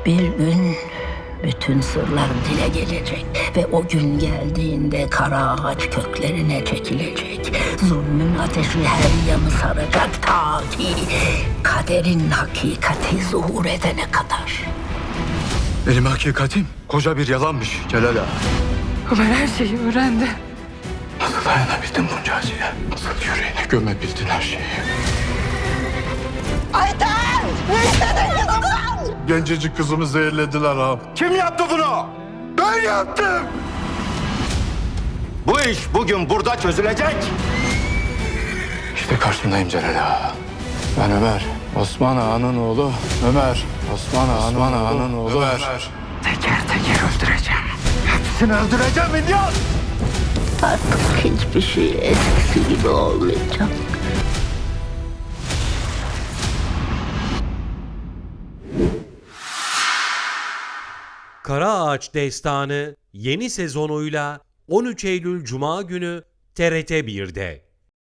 Bir gün bütün sırlar dile gelecek ve o gün geldiğinde kara ağaç köklerine çekilecek. Zulmün ateşi her yanı saracak ta ki kaderin hakikati zuhur edene kadar. Benim hakikatim koca bir yalanmış Celal Ağa. Ömer her şeyi öğrendi. Nasıl dayanabildin bunca acıya? Nasıl yüreğine gömebildin her şeyi? Gencecik kızımı zehirlediler ağam. Kim yaptı bunu? Ben yaptım! Bu iş bugün burada çözülecek. İşte karşındayım Celal Ağa. Ben Ömer. Osman Ağa'nın oğlu Ömer. Osman Ağa'nın oğlu Ömer. Teker teker öldüreceğim. Hepsini öldüreceğim İlyas! Artık hiçbir şey eskisi gibi olmayacak. Kara Ağaç Destanı yeni sezonuyla 13 Eylül Cuma günü TRT 1'de.